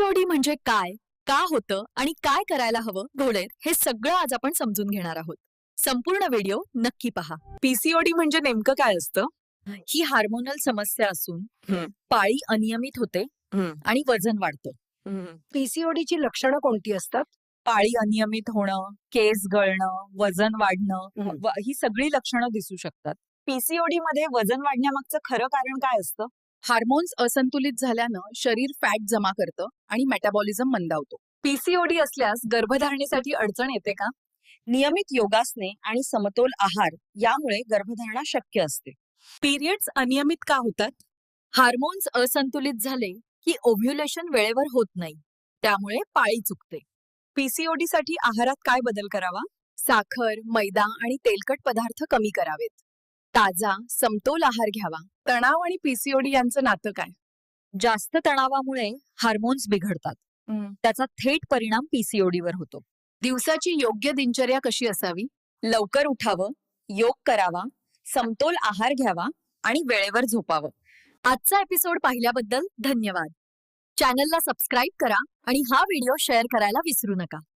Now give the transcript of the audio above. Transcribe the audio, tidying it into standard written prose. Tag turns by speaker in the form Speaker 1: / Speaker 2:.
Speaker 1: PCOD म्हणजे काय, का होतं आणि काय करायला हवं घोडेर हे सगळं आज आपण समजून घेणार आहोत. संपूर्ण व्हिडिओ नक्की पहा.
Speaker 2: पीसीओडी म्हणजे नेमकं काय असतं?
Speaker 1: ही हार्मोनल समस्या असून
Speaker 2: हं.
Speaker 1: पाळी अनियमित होते
Speaker 2: हं.
Speaker 1: आणि वजन वाढतं.
Speaker 3: पीसीओडीची लक्षणं कोणती असतात?
Speaker 1: पाळी अनियमित होणं, केस गळणं, वजन वाढणं ही सगळी लक्षणं दिसू शकतात.
Speaker 2: पीसीओडी मध्ये वजन वाढण्यामागचं खरं कारण काय असतं?
Speaker 1: हार्मोन्स असंतुलित झाल्यानं शरीर फॅट जमा करतं आणि मेटाबॉलिझम मंदावतो. पीसीओडी असल्यास गर्भधारणेसाठी अडचण येते का?
Speaker 2: नियमित योगासने आणि समतोल आहार यामुळे गर्भधारणा शक्य असते.
Speaker 1: पिरियड्स अनियमित का होतात? हार्मोन्स असंतुलित झाले की ओव्ह्युलेशन वेळेवर होत नाही, त्यामुळे पाळी चुकते.
Speaker 2: पीसीओडी साठी आहारात काय बदल करावा?
Speaker 1: साखर, मैदा आणि तेलकट पदार्थ कमी करावेत. ताजा, समतोल आहार घ्यावा. तणाव आणि पीसीओडी यांचं नातं काय? जास्त तणावामुळे हार्मोन्स बिघडतात. त्याचा थेट परिणाम पीसीओडीवर होतो. दिवसाची योग्य दिनचर्या कशी असावी?
Speaker 2: लवकर उठावं, योग करावा, समतोल आहार घ्यावा आणि वेळेवर झोपावं.
Speaker 1: आजचा एपिसोड पाहिल्याबद्दल धन्यवाद. चॅनलला सबस्क्राईब करा आणि हा व्हिडिओ शेअर करायला विसरू नका.